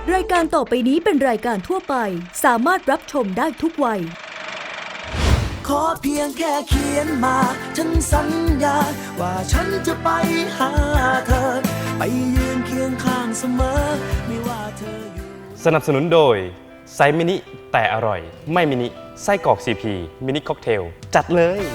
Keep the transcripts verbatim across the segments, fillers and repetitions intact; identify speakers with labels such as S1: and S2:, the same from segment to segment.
S1: รายการต่อไปนี้เป็นรายการทั่วไปสามารถรับชมได้ทุกวัย
S2: ขอเพียงแค่เขียนมาฉันสัญญาว่าฉันจะไปหาเธอไปยืนเคียงข้างเสมอไม่ว่าเธออยู่
S3: สนับสนุนโดยไซส์มินิแต่อร่อยไม่มินิไส้กรอก ซี พี มินิค็อกเทลจัดเลย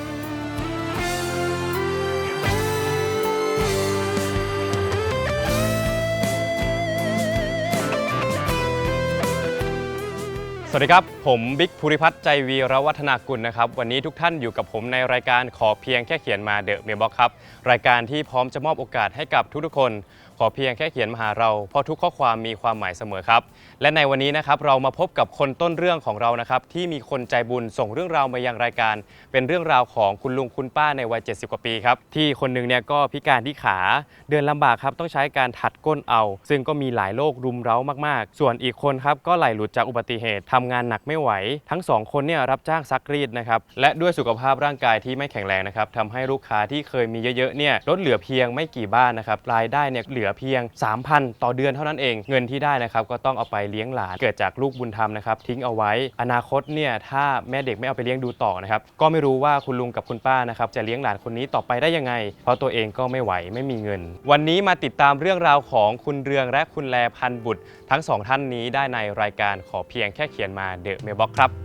S3: สวัสดีครับผมบิ๊กภูริพัฒน์ใจวีรวัฒนากุลนะครับวันนี้ทุกท่านอยู่กับผมในรายการขอเพียงแค่เขียนมาเดอะเมลบ็อกครับรายการที่พร้อมจะมอบโอกาสให้กับทุกๆคนขอเพียงแค่เขียนมาหาเราเพราะทุกข้อความมีความหมายเสมอครับและในวันนี้นะครับเรามาพบกับคนต้นเรื่องของเรานะครับที่มีคนใจบุญส่งเรื่องราวมายังรายการเป็นเรื่องราวของคุณลุงคุณป้าในวัยเจ็ดสิบกว่าปีครับที่คนนึงเนี่ยก็พิการที่ขาเดินลำบากครับต้องใช้การถัดก้นเอาซึ่งก็มีหลายโรครุมเร้ามากๆส่วนอีกคนครับก็ไหลหลุดจากอุบัติเหตุทำงานหนักไม่ไหวทั้งสองคนเนี่ยรับจ้างซักรีดนะครับและด้วยสุขภาพร่างกายที่ไม่แข็งแรงนะครับทำให้ลูกค้าที่เคยมีเยอะๆเนี่ยลดเหลือเพียงไม่กี่บ้านนะครับรายได้เนี่ยเหลือเพียง สามพัน ต่อเดือนเท่านั้นเองเงินที่ได้นะครับก็ต้องเอาไปเลี้ยงหลานเกิดจากลูกบุญธรรมนะครับทิ้งเอาไว้อนาคตเนี่ยถ้าแม่เด็กไม่เอาไปเลี้ยงดูต่อนะครับก็ไม่รู้ว่าคุณลุงกับคุณป้านะครับจะเลี้ยงหลานคนนี้ต่อไปได้ยังไงเพราะตัวเองก็ไม่ไหวไม่มีเงินวันนี้มาติดตามเรื่องราวของคุณเรืองและคุณแลพันบุตรทั้งสองท่านนี้ได้ในรายการขอเพียงแค่เขียนมาเดอะเมลบ็อกครับ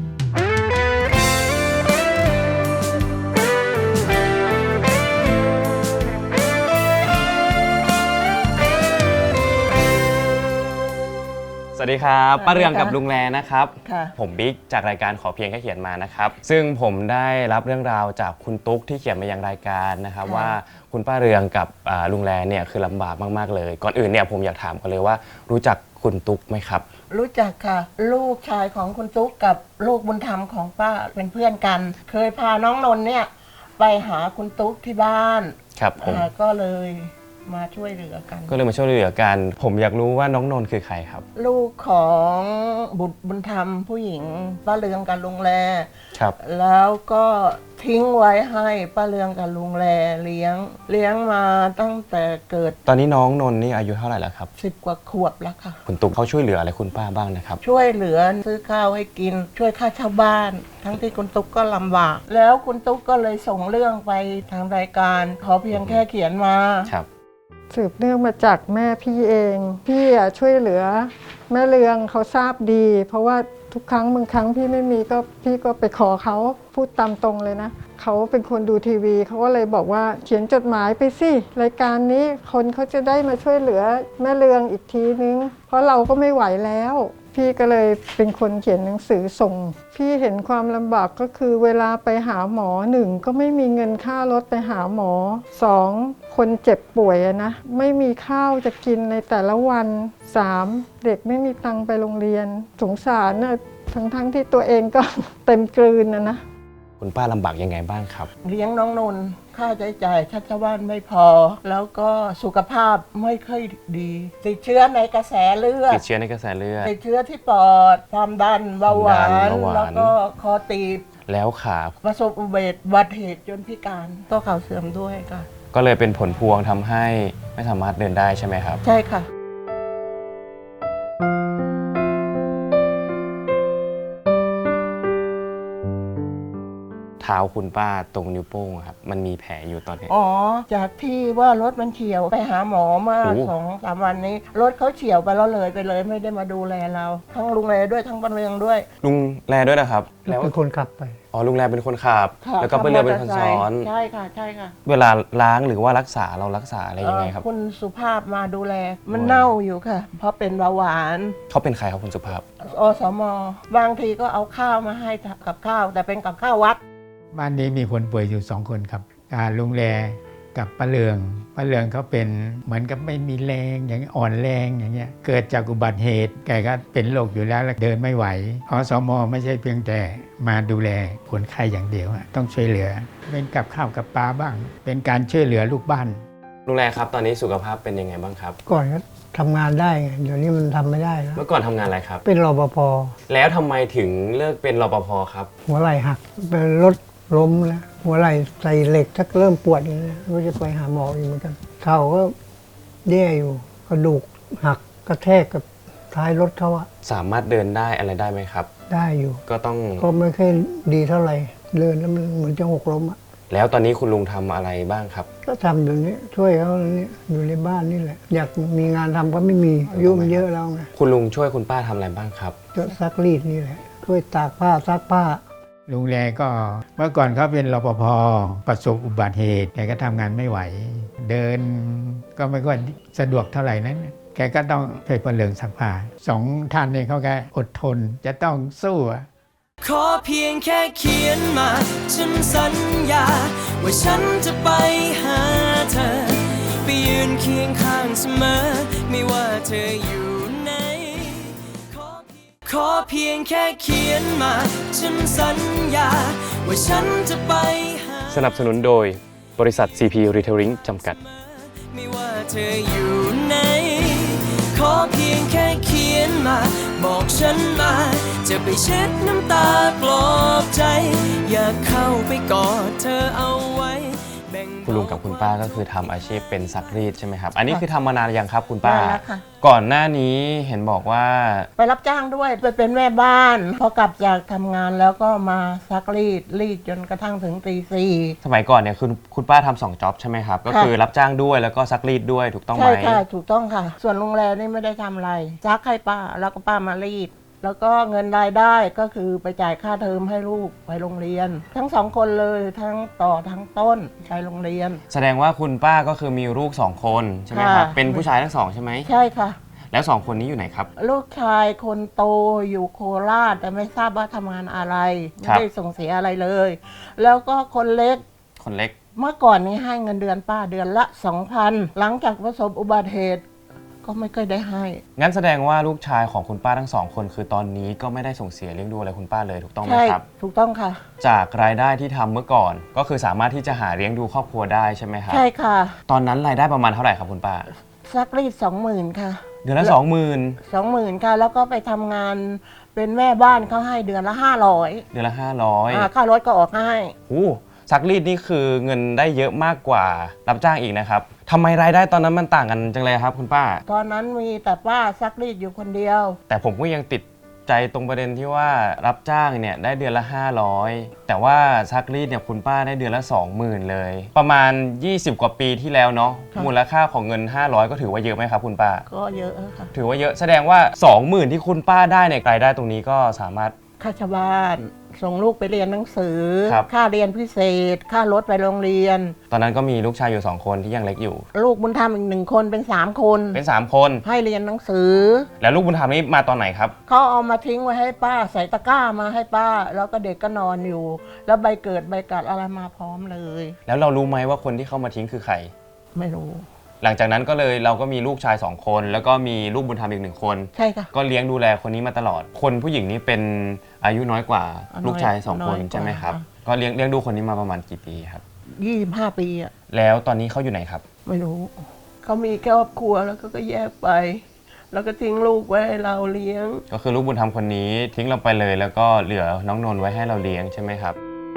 S3: สวัสดีครับป้าเรืองกับลุงแลนะครับผมบิ๊กจากรายการขอเพียงแค่เขียนมานะครับซึ่งผมได้รับเรื่องราวจากคุณตุ๊กที่เขียนมายังรายการนะครับว่าคุณป้าเรืองกับลุงแลเนี่ยคือลำบากมากๆเลยก่อนอื่นเนี่ยผมอยากถามกันเลยว่ารู้จักคุณตุ๊กไหมครับ
S4: รู้จักค่ะลูกชายของคุณตุ๊กกับลูกบุญธรรมของป้าเป็นเพื่อนกันเคยพาน้องนนท์เนี่ยไปหาคุณตุ๊กที่บ้าน
S3: ครับผม
S4: ก็เลยมาช่วยเหลือกัน
S3: ก็เลยมาช่วยเหลือกันผมอยากรู้ว่าน้องนนท์คือใครครับ
S4: ลูกของบุตรบุญธรรมผู้หญิงป้าเรืองกับลุงแล
S3: ครับ
S4: แล้วก็ทิ้งไว้ให้ป้าเรืองกับลุงแลเลี้ยงเลี้ยงมาตั้งแต่เกิด
S3: ตอนนี้น้องนนท์นี่อายุเท่าไหร่แล้วครับ
S4: สิบกว่าขวบแล้วค่ะ
S3: คุณตุ๊กเขาช่วยเหลืออะไรคุณป้าบ้างนะครับ
S4: ช่วยเหลือซื้อข้าวให้กินช่วยค่าเช่าบ้านทั้งที่คุณตุ๊กก็ลำบากแล้วคุณตุ๊กก็เลยส่งเรื่องไปทางรายการขอเพียงแค่เขียนมา
S3: ครับ
S5: สืบเนื่องมาจากแม่พี่เองพี่ช่วยเหลือแม่เรืองเขาทราบดีเพราะว่าทุกครั้งบางครั้งพี่ไม่มีก็พี่ก็ไปขอเขาพูดตามตรงเลยนะเขาเป็นคนดูทีวีเขาก็เลยบอกว่าเขียนจดหมายไปสิรายการนี้คนเขาจะได้มาช่วยเหลือแม่เรืองอีกทีนึงเพราะเราก็ไม่ไหวแล้วพี่ก็เลยเป็นคนเขียนหนังสือส่งพี่เห็นความลำบากก็คือเวลาไปหาหมอหนึ่งก็ไม่มีเงินค่ารถไปหาหมอสองคนเจ็บป่วยนะไม่มีข้าวจะกินในแต่ละวันสามเด็กไม่มีตังค์ไปโรงเรียนสงสารนะทั้งทั้งที่ตัวเองก็เต็มกลืนนะนะ
S3: คุณป้าลำบากยังไงบ้างครับ
S4: เลี้ยงน้องนนท์ค่าใช้จ่ายชัชวานไม่พอแล้วก็สุขภาพไม่ค่อยดีติดเชื้อในกระแสเลือด
S3: ติดเชื้อในกระแสเลือด
S4: ติดเชื้อที่ปอดความดันเบาหวานแล้วก็คอตีบ
S3: แล้วขา
S4: ประสบอุบัติเหตุจนพิการก็เข่าเสื่อมด้วยค่ะ
S3: ก็เลยเป็นผลพวงทำให้ไม่สามารถเดินได้ใช่ไหมครับ
S4: ใช่ค่ะ
S3: เท้าคุณป้าตรงนิ้วโป้งครับมันมีแผลอยู่ตอนนี้
S4: อ๋อจากที่ว่ารถมันเฉี่ยวไปหาหมอมาสองสามวันนี้รถเขาเฉี่ยวไปแล้วเลยไปเลยไม่ได้มาดูแลเราทั้งลุงแลด้วยทั้งป้าเรืองด้วย
S3: ลุงแลด้วยนะครับ
S5: แล้วเป็นคนขับไป
S3: อ๋อลุงแลเป็นคนขับแล้วก็ป้าเรืองเป็นคนซ้อน
S4: ใช่ค่ะใช่ค่ะ
S3: เวลาล้างหรือว่ารักษาเรารักษาอะไรยังไงครับ
S4: คุณสุภาพมาดูแลมันเน่าอยู่ค่ะเพราะเป็นเบาหวาน
S3: เขาเป็นใครครับคุณสุภาพ
S4: อสมบางทีก็เอาข้าวมาให้กับข้าวแต่เป็นกับข้าววัด
S6: บ้านนี้มีคนป่วยอยู่สองคนครับลุงแลกับป้าเรืองป้าเรืองเขาเป็นเหมือนกับไม่มีแรงอย่างอ่อนแรงอย่างเงี้ยเกิดจากอุบัติเหตุแกก็เป็นโรคอยู่แล้วแล้วเดินไม่ไหวอสมไม่ใช่เพียงแต่มาดูแลคนไข้อย่างเดียวต้องช่วยเหลือเป็นกับข้าวกับปลาบ้างเป็นการช่วยเหลือลูกบ้าน
S3: ลุงแลครับตอนนี้สุขภาพเป็นยังไงบ้างครับ
S7: ก่อนก็ทำงานได้ไงเดี๋ยวนี้มันทำไม่ได้แล้ว
S3: เมื่อก่อนทำงานอะไรครับ
S7: เป็นรปภ
S3: แล้วทำไมถึงเลิกเป็นรปภครับ
S7: หัวไหล่หักเป็นรถล้มแล้วหัวไหล่ใส่เหล็กถ้าเริ่มปวดอย่างนี้ก็จะไปหาหมออีกเหมือนกันเข่าก็แย่อยู่กระดูกหักกระแทกกับท้ายรถเขาอะ
S3: สามารถเดินได้อะไรได้ไหมครับ
S7: ได้อยู่
S3: ก็ต้อง
S7: ก็ไม่ค่อยดีเท่าไหร่เดินแล้วมันเหมือนจะหกล้มอะ
S3: แล้วตอนนี้คุณลุงทำอะไรบ้างครับ
S7: ก็ทำอยู่นี้ช่วยเขาเนี่ยอยู่ในบ้านนี่แหละ อยากมีงานทำก็ไม่มีอายุมันเยอะแล้วไง
S3: คุณลุงช่วยคุณป้าทำอะไรบ้างครับ
S7: ก็ซักรีดนี่แหละช่วยตากผ้าซักผ้า
S6: ลุงแลก็เมื่อก่อนเขาเป็นรปภประสบอุบัติเหตุแกก็ทำงานไม่ไหว เดินก็ไม่ค่อยสะดวกเท่าไหร่นั้นแกก็ต้องไปประเลิงซักผ้าสองท่านนี้เขาก็อดทนจะต้องสู้อะ
S2: ขอเพียงแค่เขียนมา ฉันสัญญา ว่าฉันจะไปหาเธอ ไปยืนเคียงข้างเสมอ ไม่ว่าเธออยู่ไหนขอเพียงขอเพียงแค่เขียนมา ฉันสัญญา ว่าฉันจะไปหา
S3: สนับสนุนโดยบริษัท ซี พี Retailing จำกัด
S2: ไม่ว่าเธออยู่ไหนขอเพียงแค่เขียนมา บอกฉันมา จะไปเช็ดน้ำตาปลอบใจ อยากเข้าไปกอดเธอเอาไว้แบ่ง
S3: คุณลุงกับคุณป้าก็คือทำอาชีพเป็นซักรีดใช่ไหมครับ อันนี้คือทำมานานยังครับคุณป้า
S4: นานแล้วค่ะ
S3: ก่อนหน้านี้เห็นบอกว่า
S4: ไปรับจ้างด้วยไปเป็นแม่บ้านพอกลับจากทำงานแล้วก็มาซักรีดรีดจนกระทั่งถึงตีสี่
S3: สมัยก่อนเนี่ยคือคุณป้าทำสองจ็อบใช่ไหมครับ ก็คือรับจ้างด้วยแล้วก็ซักรีดด้วยถูกต้องไหม
S4: ใช่ค่ะถูกต้องค่ะ ส่วนโรงแรมนี่ไม่ได้ทำอะไรซักให้ป้าแล้วก็ป้ามารีด แล้วก็เงินรายได้ก็คือไปจ่ายค่าเทอมให้ลูกไปโรงเรียน ทั้งสองคนเลยทั้งต่อทั้งต้นไปโรงเรียน
S3: แสดงว่าคุณป้าก็คือมีลูกสองคนใช่ไหมครับ
S4: ค่ะ
S3: เป็นผู้ชายทั้งสองใช่ไหม
S4: ใช่ค่ะ
S3: แล้วสองคนนี้อยู่ไหนครับ
S4: ลูกชายคนโตอยู่โคราชแต่ไม่ทราบว่าทำงานอะไร ไม่
S3: ครับ
S4: ได้ส่งเสียอะไรเลย แล้วก็คนเล็ก
S3: คนเล็ก
S4: เมื่อก่อนนี้ให้เงินเดือนป้าเดือนละสองพันหลังจากประสบอุบัติเหตุก็ไม่เคยได้ให้
S3: งั้นแสดงว่าลูกชายของคุณป้าทั้งสองคนคือตอนนี้ก็ไม่ได้ส่งเสียเลี้ยงดูอะไรคุณป้าเลยถูกต้องไหม
S4: ใช่
S3: ครับ
S4: ถูกต้องค่ะ
S3: จากรายได้ที่ทำเมื่อก่อน ก็คือสามารถที่จะหาเลี้ยงดูครอบครัวได้ใช่ไหมครับ
S4: ใช่ค่ะ
S3: ตอนนั้นรายได้ประมาณเท่าไหร่ครับคุณป้า
S4: ซักรีดสองหมื่นค่ะ
S3: เดือนละสองหมื่น
S4: สองหมื่นค่ะ แล้วก็ไปทำงานเป็นแม่บ้านเขาให้เดือนละห้าร้อย
S3: เดือนละห้าร้อย
S4: ค่ารถก็ออกให้
S3: โอ้ซักรีดนี่คือเงินได้เยอะมากกว่ารับจ้างอีกนะครับทำไมรายได้ตอนนั้นมันต่างกันจังเลยครับคุณป้า
S4: ตอนนั้นมีแต่ป้าซักรีดอยู่คนเดียว
S3: แต่ผมก็ยังติดใจตรงประเด็นที่ว่ารับจ้างเนี่ยได้เดือนละห้าร้อยแต่ว่าซักรีดเนี่ยคุณป้าได้เดือนละสองหมื่นเลย ประมาณยี่สิบกว่าปีที่แล้วเนาะ
S4: ค่ะ
S3: มูลค่าของเงินห้าร้อยก็ถือว่าเยอะไหมครับคุณป้า
S4: ก็เยอะค่ะ
S3: ถือว่าเยอะแสดงว่าสองหมื่นที่คุณป้าได้เนี่ยรายได้ตรงนี้ก็สามารถ
S4: ค่าชาวบ้านส่งลูกไปเรียนหนังสือ
S3: ครับ
S4: ค่าเรียนพิเศษ ค่ารถไปโรงเรียน
S3: ตอนนั้นก็มีลูกชายอยู่สองคนที่ยังเล็กอยู่
S4: ลูกบุญธรรมอีกหนึ่งคนเป็นสามคน
S3: เป็นสามคน
S4: ให้เรียนหนังสือ
S3: แล้วลูกบุญธรรมนี่มาตอนไหนครับ
S4: เขาเอามาทิ้งไว้ให้ป้าใส่ตะกร้ามาให้ป้า แล้วก็เด็กก็นอนอยู่ แล้วใบเกิดใบกัดอะไรมาพร้อมเลย
S3: แล้วเรารู้ไหมว่าคนที่เข้ามาทิ้งคือใคร
S4: ไม่รู้
S3: หลังจากนั้นก็เลยเราก็มีลูกชายสองคน แล้วก็มีลูกบุญธรรมอีกหนึ่งคน
S4: ใช่ค่ะ
S3: ก็เลี้ยงดูแลคนนี้มาตลอด คนผู้หญิงนี้เป็นอายุน้อยกว่า
S4: น้อย
S3: ลูกชายสองคน
S4: น้อยกว่า
S3: ใช่ไหมครับ
S4: ค่ะ
S3: ก็เลี้ยงเลี้ยงดูคนนี้มาประมาณกี่ปีครับ
S4: ยี่สิบห้าปีอะ
S3: แล้วตอนนี้เขาอยู่ไหนครับ
S4: ไม่รู้ เขามีครอบครัวแล้วก็ก็แยกไป แล้วก็ทิ้งลูกไว้ให้เราเลี้ยง
S3: ก็คือลูกบุญธรรมคนนี้ทิ้งเราไปเลย แล้วก็เหลือน้องนนท์ไว้ให้เราเลี้ยงใช่ไหมครับ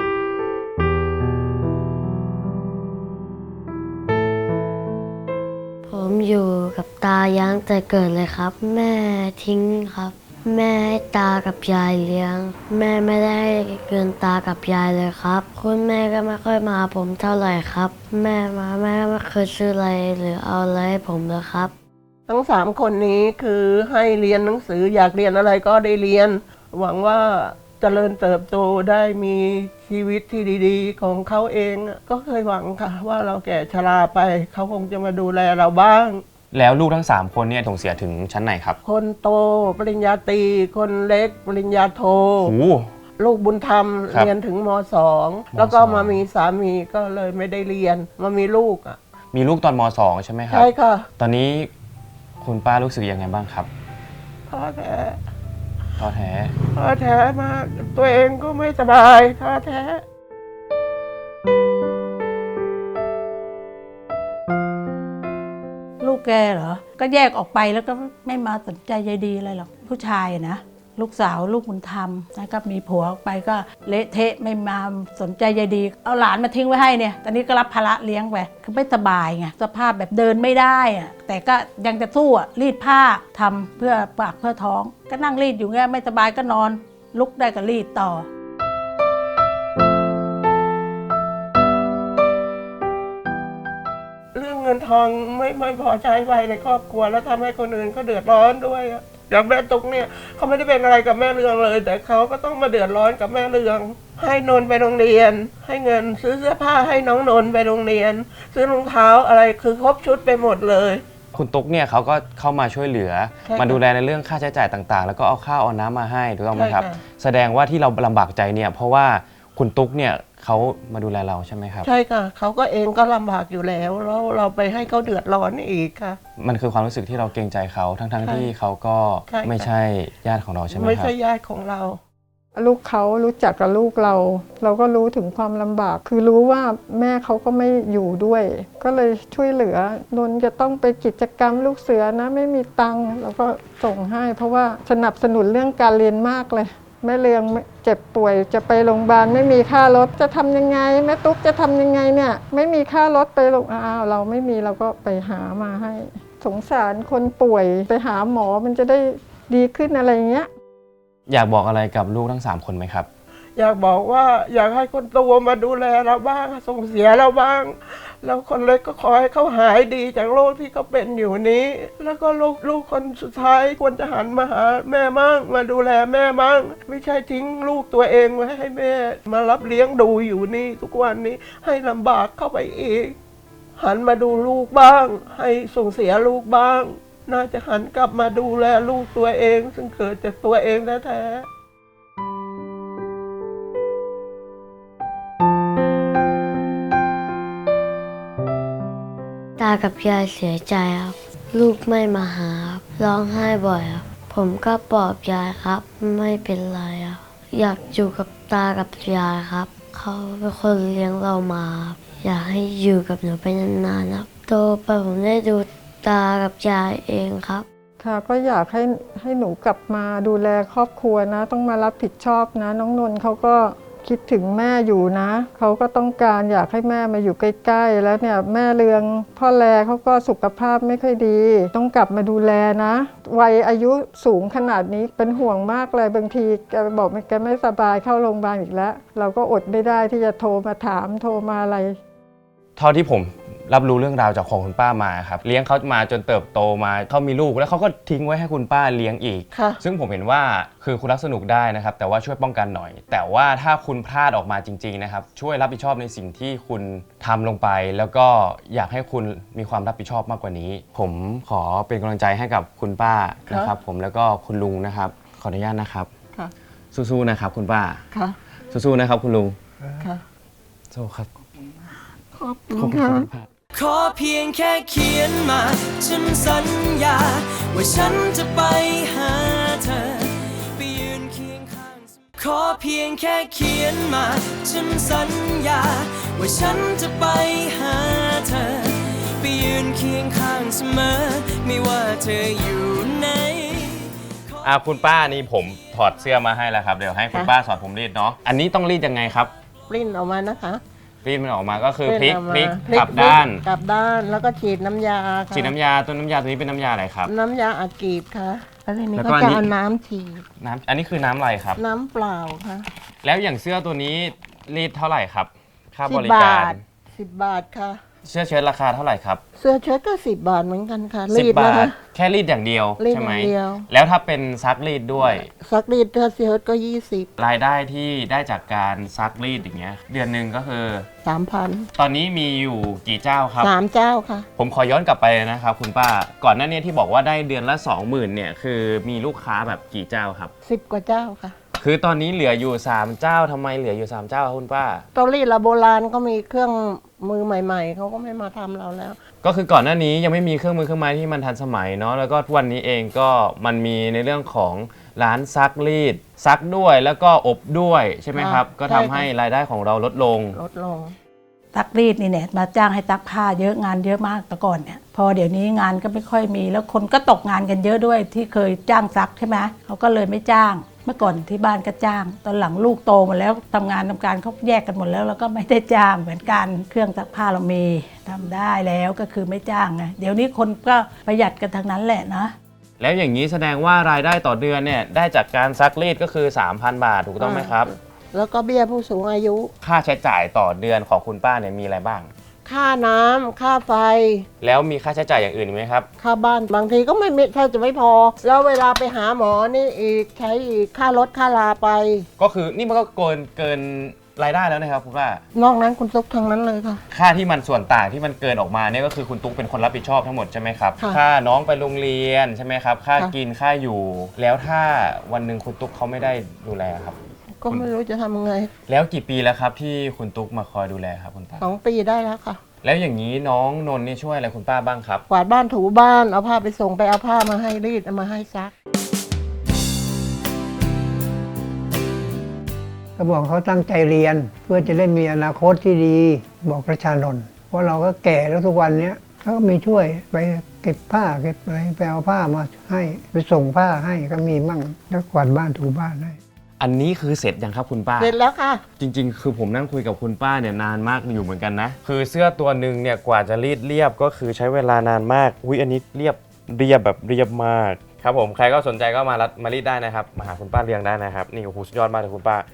S8: ผมอยู่กับตายางแต่เกิดเลยครับ แม่ทิ้งครับ แม่ให้ตากับยายเลี้ยง แม่ไม่ได้เกินตากับยายเลยครับ คุณแม่ก็ไม่ค่อยมาหาผมเท่าไหร่ครับ แม่มาแม่ก็ไม่เคยซื้ออะไรหรือเอาอะไรให้ผมเลยครับ
S4: ทั้งสามคนนี้คือให้เรียนหนังสืออยากเรียนอะไรก็ได้เรียน หวังว่าเจริญเติบโตได้มีชีวิตที่ดีๆ ของเขาเองก็เคยหวังค่ะ ว่าเราแก่ชราไปเขาคงจะมาดูแลเราบ้าง
S3: แล้วลูกทั้งสามคนเนี่ยส่งเสียถึงชั้นไหนครับ
S4: คนโตปริญญาตรีคนเล็กปริญญาโท
S3: โอ้
S4: ลูกบุญธรรม
S3: ครับ
S4: เรียนถึงมสองแล้วก็มามีสามีก็เลยไม่ได้เรียนมามีลูกอ่ะ
S3: มีลูกตอนมสองใช่ไหมครับ
S4: ใช่ค่ะ
S3: ตอนนี้คุณป้ารู้สึกยังไงบ้างครับ
S4: ท้อแท้
S3: ท้อแท้
S4: ท้อแท้มากตัวเองก็ไม่สบายท้อแท้
S9: ลูกแกเหรอ ก็แยกออกไปแล้วก็ไม่มาสนใจใยดีอะไรหรอกผู้ชายอะนะลูกสาวลูกบุญธรรมนะครับมีผัวออกไปก็เละเทะไม่มาสนใจใยดีเอาหลานมาทิ้งไว้ให้เนี่ยตอนนี้ก็รับภาระเลี้ยงไปคือไม่สบายไงสภาพแบบเดินไม่ได้อะแต่ก็ยังจะสู้อะรีดผ้าทำเพื่อปากเพื่อท้องก็นั่งรีดอยู่เงี้ยไม่สบายก็นอนลุกได้ก็รีดต่อ
S4: เรื่องเงินทองไม่ไม่พอใช้ไปในครอบครัวแล้วทำให้คนอื่นเขาเดือดร้อนด้วยอะอย่างแม่ตุ๊กเนี่ยเขาไม่ได้เป็นอะไรกับแม่เรืองเลย แต่เขาก็ต้องมาเดือดร้อนกับแม่เรือง ให้นนท์ไปโรงเรียน ให้เงินซื้อเสื้อผ้าให้น้องนนท์ไปโรงเรียน ซื้อรองเท้าอะไรคือครบชุดไปหมดเลย
S3: คุณตุ๊กเนี่ยเขาก็เข้ามาช่วยเหลือ มาดูแลในเรื่องค่าใช้จ่ายต่างๆ แล้วก็เอาข้าวเอาน้ำมาให้ถูกต้องไหมครับ แสดงว่าที่เราลำบากใจเนี่ยเพราะว่าคุณตุ๊กเนี่ยเขามาดูแลเราใช่ไหมครับ
S4: ใช่ค่ะเขาก็เองก็ลำบากอยู่แล้วแล้วเราไปให้เขาเดือดร้อนอีกค่ะ
S3: มันคือความรู้สึกที่เราเกรงใจเขาทั้งๆที่เขาก็ไม่ใช่ญาติของเราใช่ไหมครับ
S4: ไม่ใช่ญาติของเรา
S5: ลูกเขารู้จักกับลูกเรา เราก็รู้ถึงความลำบาก คือรู้ว่าแม่เขาก็ไม่อยู่ด้วย ก็เลยช่วยเหลือนนจะต้องไปกิจกรรมลูกเสือนะไม่มีตังค์เราก็ส่งให้ เพราะว่าสนับสนุนเรื่องการเรียนมากเลยแม่เรืองเจ็บป่วยจะไปโรงพยาบาลไม่มีค่ารถจะทำยังไงแม่ตุ๊กจะทำยังไงเนี่ยไม่มีค่ารถไปโรงอ้าวเราไม่มีเราก็ไปหามาให้สงสารคนป่วยไปหาหมอมันจะได้ดีขึ้นอะไรอย่างเงี้ย
S3: อยากบอกอะไรกับลูกทั้งสามคนไหมครับ
S4: อยากบอกว่าอยากให้คนโตมาดูแลเราบ้างส่งเสียเราบ้างแล้วคนเล็กก็ขอให้เขาหายดีจากโรคที่เขาเป็นอยู่นี้แล้วก็ลูกลูกคนสุดท้ายควรจะหันมาหาแม่มั่งมาดูแลแม่มั่งไม่ใช่ทิ้งลูกตัวเองไว้ให้แม่มารับเลี้ยงดูอยู่นี่ทุกวันนี้ให้ลำบากเข้าไปอีกหันมาดูลูกบ้างให้ส่งเสียลูกบ้างน่าจะหันกลับมาดูแลลูกตัวเองซึ่งเกิดจากตัวเองแท้ๆ
S8: ตากับยายเสียใจครับลูกไม่มาหาครับร้องไห้บ่อยครับผมก็ปลอบยายครับไม่เป็นไรครับอยากอยู่กับตากับยายครับเขาเป็นคนเลี้ยงเรามาอยากให้อยู่กับหนูไปนานๆครับโตไปผมได้ดูตากับยายเองครับ
S5: ค่ะก็อยากให้ให้หนูกลับมาดูแลครอบครัวนะต้องมารับผิดชอบนะน้องนนท์เขาก็คิดถึงแม่อยู่นะเขาก็ต้องการอยากให้แม่มาอยู่ใกล้ๆแล้วเนี่ยแม่เรืองพ่อแลเขาก็สุขภาพไม่ค่อยดีต้องกลับมาดูแลนะวัยอายุสูงขนาดนี้เป็นห่วงมากเลยบางทีแกบอกแกไม่สบายเข้าโรงพยาบาลอีกแล้วเราก็อดไม่ได้ที่จะโทรมาถามโทรมาอะไร
S3: เท่าที่ผมรับรู้เรื่องราวจากของคุณป้ามาครับเลี้ยงเขามาจนเติบโตมาเขามีลูกแล้วเขาก็ทิ้งไว้ให้คุณป้าเลี้ยงอีกซึ่งผมเห็นว่าคือคุณรักสนุกได้นะครับแต่ว่าช่วยป้องกันหน่อยแต่ว่าถ้าคุณพลาดออกมาจริงๆนะครับช่วยรับผิดชอบในสิ่งที่คุณทำลงไปแล้วก็อยากให้คุณมีความรับผิดชอบมากกว่านี้ผมขอเป็นกำลังใจให้กับคุณป้านะครับผมแล้วก็คุณลุงนะครับขออนุญาตนะครับสู้ๆนะครับคุณป้าสู้ๆนะครับคุณลุงสู้ครับ
S2: ขอบคุณค่ะขอเพียงแค่เขียนมาฉันสัญญาว่าฉันจะไปหาเธอไปยืนเคียงข้างขอเพียงแค่เขียนมาฉันสัญญาว่าฉันจะไปหาเธอไปยืนเคียงข้างเสมอไม่ว่าเธออยู่ไหน
S3: อ่าคุณป้านี่ผมถอดเสื้อมาให้แล้วครับเดี๋ยวให้คุณป้าสอนผมรีดเนาะอันนี้ต้องรีดยังไงครับ
S4: รีดออกมานะคะ
S3: รีดมันออกมาก็คือพลิกพลิกกลับด้าน
S4: กลับด้านแล้วก็ฉีดน้ำยา
S3: ฉีดน้ำยาตัวน้ำยาตัวนี้เป็นน้ำยาอะไรครับ
S4: น้ำยาอากีบค่ะแล้วทีนี้ก็จะเอาน้ำฉีด
S3: น้ำอันนี้คือน้ำอะไรครับ
S4: น้ำเปล่าค่ะ
S3: แล้วอย่างเสื้อตัวนี้รีดเท่าไหร่ครับค่าบริการ
S4: สิบบาทค่ะ
S3: เสื้อเชิ้ตราคาเท่าไหร่ครับ
S4: เสื้อเชิ้ตก็สิบบาทเหมือนกันค่ะ
S3: รีดนะคะแค่รีดอย่างเดียวใช่ไหมแล้วถ้าเป็นซักรีดด้วย
S4: ซักรีดเสื้อเชิ้ตก็ยี่สิบ
S3: รายได้ที่ได้จากการซักรีดอย่างเงี้ยเดือนหนึ่งก็คือ
S4: สามพัน
S3: ตอนนี้มีอยู่กี่เจ้าครับ
S4: สามเจ้าค่ะ
S3: ผมขอย้อนกลับไปนะครับคุณป้าก่อนหน้านี้ที่บอกว่าได้เดือนละ สองหมื่น เนี่ยคือมีลูกค้าแบบกี่เจ้าครับ
S4: สิบกว่าเจ้าค่ะ
S3: คือตอนนี้เหลืออยู่สามเจ้าทำไมเหลืออยู่สามเจ้าครับคุณป้า
S4: เตารีดละโบราณก็มีเครื่องมือใหม่ๆเขาก็ไม่มาทำเราแล้ว
S3: ก็คือก่อนหน้านี้ยังไม่มีเครื่องมือเครื่องไม้ที่มันทันสมัยเนาะแล้วก็วันนี้เองก็มันมีในเรื่องของร้านซักรีดซักด้วยแล้วก็อบด้วยใช่ไหมครับก็ทำให้รายได้ของเราลดลง
S4: ลดลง
S9: ซักรีดนี่เนี่ยมาจ้างให้ซักผ้าเยอะงานเยอะมากแต่ก่อนเนี่ยพอเดี๋ยวนี้งานก็ไม่ค่อยมีแล้วคนก็ตกงานกันเยอะด้วยที่เคยจ้างซักใช่ไหมเขาก็เลยไม่จ้างเมื่อก่อนที่บ้านก็จ้างตอนหลังลูกโตหมดแล้วทำงานทำการเขาแยกกันหมดแล้วแล้วก็ไม่ได้จ้างเหมือนกันเครื่องซักผ้าเรามีทำได้แล้วก็คือไม่จ้างไงเดี๋ยวนี้คนก็ประหยัดกันทางนั้นแหละนะ
S3: แล้วอย่างนี้แสดงว่ารายได้ต่อเดือนเนี่ยได้จากการซักรีดก็คือ สามพัน บาทถูกต้องไหมครับ
S4: แล้วก็เบี้ยผู้สูงอายุ
S3: ค่าใช้จ่ายต่อเดือนของคุณป้าเนี่ยมีอะไรบ้าง
S4: ค่าน้ำค่าไฟ
S3: แล้วมีค่าใช้จ่ายอย่างอื่นอีกไหมครับ
S4: ค่าบ้านบางทีก็ไม่ไม่แทบจะไม่พอ แล้วเวลาไปหาหมอนี่อีกใช้อีกค่ารถค่าลาไป
S3: ก็คือนี่มันก็เกินเกินรายได้แล้วนะครับคุณป้าน
S4: อกนั้นคุณตุ๊กทั้งนั้นเลยค่ะ
S3: ค่าที่มันส่วนต่างที่มันเกินออกมาเนี่ยก็คือคุณตุ๊กเป็นคนรับผิดชอบทั้งหมดใช่ไหมครับ
S4: ค่ะ
S3: ค่าน้องไปโรงเรียนใช่ไหมครับค่า
S4: ค่ะ
S3: กินค่าอยู่ แล้วถ้าวันหนึ่งคุณตุ๊กเขาไม่ได้ดูแลครับ
S4: ก็ไม่รู้จะทำยังไง
S3: แล้วกี่ปีแล้วครับที่คุณตุ๊กมาคอยดูแลครับคุณป้า
S4: สองปีได้แล้วค่ะ
S3: แล้วอย่างนี้น้องนนท์นี่ช่วยอะไรคุณป้าบ้างครับ
S4: กวาดบ้านถูบ้านเอาผ้าไปส่งไปเอาผ้ามาให้รีดเอามาให้ซัก
S7: ก็บอกเขาตั้งใจเรียนเพื่อจะได้มีอนาคตที่ดีบอกประชานนท์เพราะเราก็แก่แล้วทุกวันเนี้ยเขาก็มีช่วยไปเก็บผ้าเก็บอะไรไปเอาผ้ามาให้ไปส่งผ้าให้ก็มีมั่งแล้วกวาดบ้านถูบ้านให้
S3: อันนี้คือเสร็จยังครับคุณป้า
S4: เสร็จแล้วค่ะ
S3: จริงๆ คือผมนั่งคุยกับคุณป้าเนี่ยนานมากอยู่เหมือนกันนะ คือเสื้อตัวหนึ่งเนี่ยกว่าจะรีดเรียบก็คือใช้เวลานานมากอุ้ยอันนี้เรียบเรียบแบบเรียบมากครับผมใครก็สนใจก็มารัดมารีดได้นะครับมาหาคุณป้าเรียงได้นะครับนี่โอ้โหสุดยอดมากเลยคุณป้า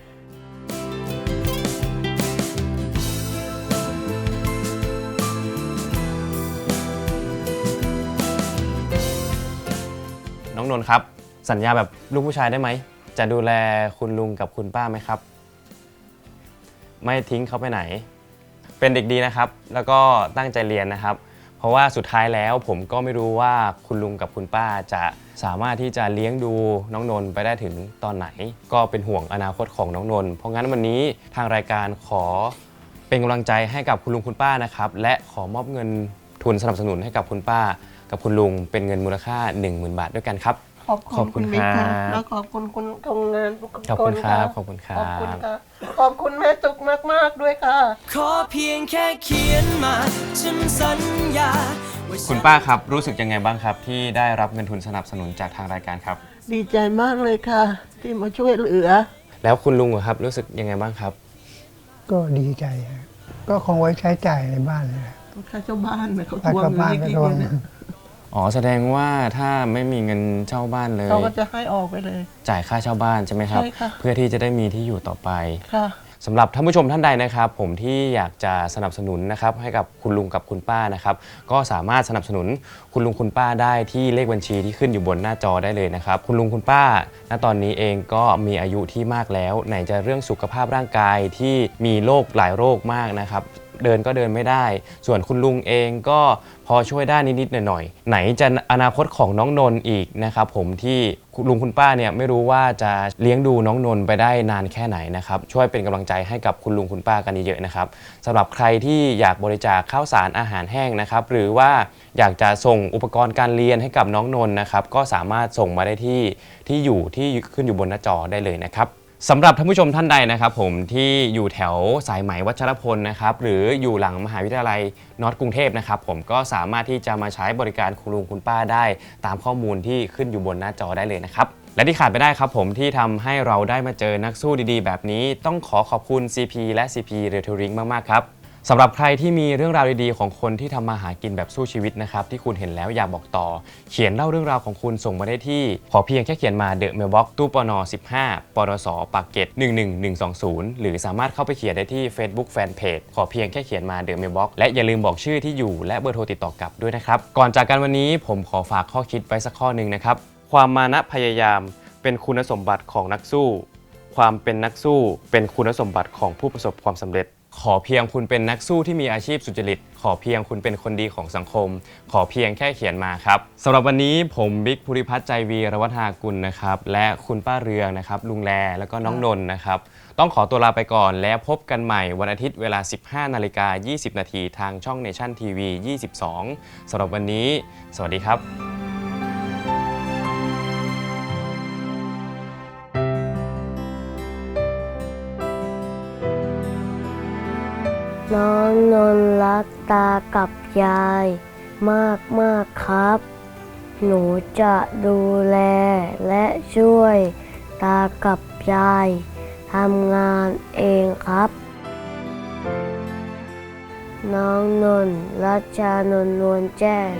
S3: น้องนนท์ครับสัญญาแบบลูกผู้ชายได้ไหมจะดูแลคุณลุงกับคุณป้าไหมครับไม่ทิ้งเขาไปไหนเป็นเด็กดีนะครับแล้วก็ตั้งใจเรียนนะครับเพราะว่าสุดท้ายแล้วผมก็ไม่รู้ว่าคุณลุงกับคุณป้าจะสามารถที่จะเลี้ยงดูน้องนนท์ไปได้ถึงตอนไหนก็เป็นห่วงอนาคตของน้องนนท์เพราะงั้นวันนี้ทางรายการขอเป็นกำลังใจให้กับคุณลุงคุณป้านะครับและขอมอบเงินทุนสนับสนุนให้กับคุณป้ากับคุณลุงเป็นเงินมูลค่า หนึ่งหมื่น บาทด้วยกันครับ
S4: ขอบ
S3: ขอบคุ
S4: คุณ ณ
S3: ค
S4: บิ๊ก
S3: รั
S4: ค่ะ
S3: บ
S4: แล้วขอบคุณคุณทำงานทุกคน
S3: ขอบคุณครับ
S4: ะ
S3: ขอบคุณครั
S4: ขอบคุณ
S3: บ
S4: ค่ะขอบคุณแม่ตุกมากๆด้วยค่ะ
S2: ขอเพียงแค่เขียนมา ฉันสัญญาว่าฉัน
S3: คุณป้าครับรู้สึกยังไงบ้างครับที่ได้รับเงินทุนสนับสนุนจากทางรายการครับ
S4: ดีใจมากเลยค่ะ ที่มาช่วยเหลือ
S3: แล้วคุณลุงอะครับรู้สึกยังไงบ้างครับ
S7: ก็ดีใจฮะก็คงไว้ใช้จ่ายในบ้านเลย
S4: ค่าเช่าบ้านเนี่ยเขา
S7: ไป
S4: ทวง
S7: กับ
S4: เงิน
S7: บ้าน
S4: ให้
S7: ก็
S4: กิน
S7: โดน
S4: เนี่ย
S3: อ๋อแสดงว่าถ้าไม่มีเงินเช่าบ้านเลย
S4: เขาก็จะให้ออกไปเลย
S3: จ่ายค่าเช่าบ้านใช่ไหมครับ
S4: ใช่ค่ะ
S3: เพื่อที่จะได้มีที่อยู่ต่อไป
S4: ค่ะ
S3: สำหรับท่านผู้ชมท่านใดนะครับผมที่อยากจะสนับสนุนนะครับให้กับคุณลุงกับคุณป้านะครับก็สามารถสนับสนุนคุณลุงคุณป้าได้ที่เลขบัญชีที่ขึ้นอยู่บนหน้าจอได้เลยนะครับคุณลุงคุณป้าณตอนนี้เองก็มีอายุที่มากแล้วไหนจะเรื่องสุขภาพร่างกายที่มีโรคหลายโรคมากนะครับเดินก็เดินไม่ได้ ส่วนคุณลุงเองก็พอช่วยได้นิดๆหน่อยๆไหนจะอนาคตของน้องนนท์อีกนะครับผมที่คุณลุงคุณป้าเนี่ยไม่รู้ว่าจะเลี้ยงดูน้องนนท์ไปได้นานแค่ไหนนะครับช่วยเป็นกำลังใจให้กับคุณลุงคุณป้ากันเยอะๆนะครับสำหรับใครที่อยากบริจาคข้าวสารอาหารแห้งนะครับหรือว่าอยากจะส่งอุปกรณ์การเรียนให้กับน้องนนท์นะครับก็สามารถส่งมาได้ที่ที่อยู่ที่ขึ้นอยู่บนหน้าจอได้เลยนะครับสำหรับท่านผู้ชมท่านใดนะครับผมที่อยู่แถวสายไหมวัชรพลนะครับหรืออยู่หลังมหาวิทยาลัยนอร์ทกรุงเทพนะครับผมก็สามารถที่จะมาใช้บริการคุณลุงคุณป้าได้ตามข้อมูลที่ขึ้นอยู่บนหน้าจอได้เลยนะครับและที่ขาดไปได้ครับผมที่ทำให้เราได้มาเจอนักสู้ดีๆแบบนี้ต้องขอขอบคุณ ซี พี และ ซี พี Retailing มากๆครับสำหรับใครที่มีเรื่องราวดีๆของคนที่ทำมาหากินแบบสู้ชีวิตนะครับที่คุณเห็นแล้วอยากบอกต่อเขียนเล่าเรื่องราวของคุณส่งมาได้ที่ขอเพียงแค่เขียนมา The Mailbox ตู้ปนสิบห้าปรสปากเกร็ดหนึ่งหนึ่งหนึ่งสองศูนย์หรือสามารถเข้าไปเขียนได้ที่ Facebook Fanpage ขอเพียงแค่เขียนมา The Mailbox และอย่าลืมบอกชื่อที่อยู่และเบอร์โทรติดต่อกลับด้วยนะครับก่อนจากกันวันนี้ผมขอฝากข้อคิดไว้สักข้อหนึ่งนะครับความมานะพยายามเป็นคุณสมบัติของนักสู้ความเป็นนักสู้เป็นคุณสมบัติของผู้ประสบความสำเร็จขอเพียงคุณเป็นนักสู้ที่มีอาชีพสุจริตขอเพียงคุณเป็นคนดีของสังคมขอเพียงแค่เขียนมาครับสำหรับวันนี้ผมบิ๊กภูริพัฒน์ใจวีรวัฒนากุลนะครับและคุณป้าเรืองนะครับลุงแลแล้วก็น้องนนท์นะครับต้องขอตัวลาไปก่อนแล้วพบกันใหม่วันอาทิตย์เวลา สิบห้านาฬิกายี่สิบนาทีทางช่อง Nation ที วี ยี่สิบสองสำหรับวันนี้สวัสดีครับ
S8: น้องนนท์รักตากับยายมากมากครับ หนูจะดูแลและช่วยตากับยายทำงานเองครับ น้องนนท์รัชชานนท์นวลแจ้ง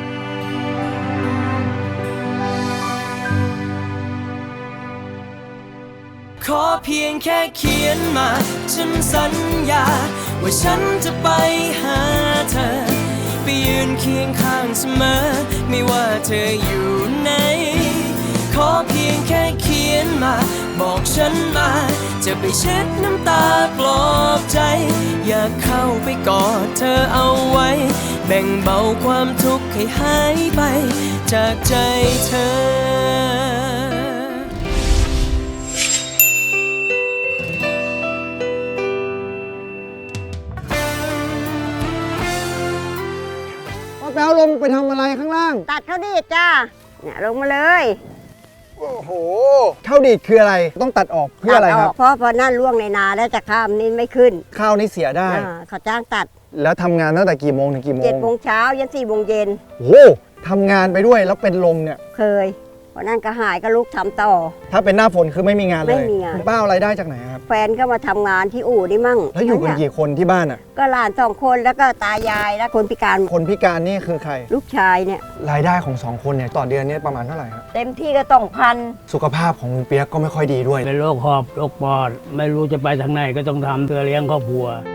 S2: ขอเพียงแค่เขียนมาฉันสัญญาว่าฉันจะไปหาเธอไปยืนเคียงข้างเสมอไม่ว่าเธออยู่ไหนขอเพียงแค่เขียนมาบอกฉันมาจะไปเช็ดน้ำตาปลอบใจอยากเข้าไปกอดเธอเอาไว้แบ่งเบาความทุกข์ให้หายไปจากใจเธอ
S7: แป๊วลงไปทำอะไรข้างล่าง
S10: ตัดเขาดีดจ้าเนี่ยลงมาเลย
S7: โอ้โหข้าวดีดคืออะไรต้องตัดออกเพื่ออะไรครับ
S10: ตัดกเพราะพอนั่นล่วงในนาแล้วจะข้ามนี่ไม่ขึ้น
S7: ข้าวนี่เสียได้
S10: อ่าเขาจ้างตัด
S7: แล้วทำงานตั้งแต่กี่โมงถึงกี่โมง
S10: เจ็ดโมงเช้ายันสี่โมงเย็น
S7: โอ้โหทำงานไปด้วยแล้วเป็นลมเนี่ย
S10: เคยพอนั่นก็หายก็ลุกทำต่อ
S7: ถ้าเป็นหน้าฝนคือไม่มีงานเลย
S10: ไม่มีงาน
S7: คุณป้าเอารายได้จากไหนครับ
S10: แฟนก็มาทำงานที่อู่นี่มั่ง
S7: แล้วอยู่กันกี่คนที่บ้านอ่ะ
S10: ก็หลานสองคนแล้วก็ตายายและคนพิการ
S7: คนพิการนี่คือใคร
S10: ลูกชายเนี่ย
S7: รายได้ของสองคนเนี่ยต่อเดือนเนี่ยประมาณเท่าไหร่ครับ
S10: เต็มที่ก็ต้องพัน
S7: สุขภาพของลุงเปียกก็ไม่ค่อยดีด้วย
S11: เป็นโรคหอบโรคปอด ไม่รู้จะไปทางไหนก็ต้องทำเพื่อเลี้ยงครอบครัว